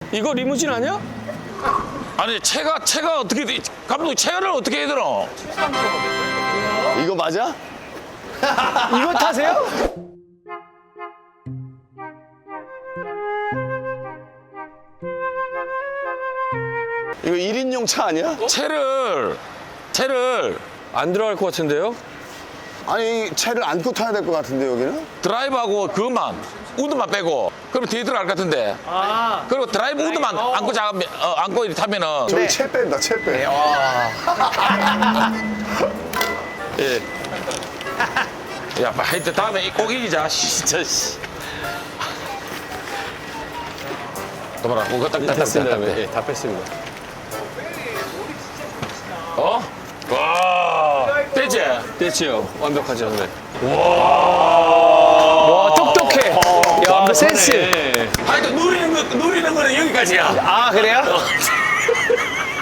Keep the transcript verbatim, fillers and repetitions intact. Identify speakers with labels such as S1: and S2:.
S1: 이거 리무진 아니야?
S2: 아니 차가 차가 어떻게 돼? 감독 차를 어떻게 해야 되노?
S3: 이거 맞아?
S1: 이거 타세요?
S3: 이거 일 인용 차 아니야?
S2: 차를 차를
S1: 안 들어갈 것 같은데요?
S3: 아니 차를 안고 타야 될 것 같은데 여기는?
S2: 드라이브하고 그것만 우드만 빼고 그러면 뒤에 들어갈 것 같은데.
S4: 아.
S2: 그리고 드라이브 우드만 안고 자 어, 안고 이렇게 타면은
S3: 저기 채 뺀다 채 빼.
S2: 예. 야, 하여튼 다음에 꼭 이기자. 진짜 씨. 또 봐라, 그거 딱
S1: 됐습니다.
S2: 땄다.
S1: 네, 다 뺐습니다.
S2: 어? 와, 됐지?
S1: 됐지요. 완벽하죠. 네. 와, 똑똑해. 야, 센스.
S2: 하여튼 누리는 거 누리는 거는 여기까지야.
S1: 아, 그래요?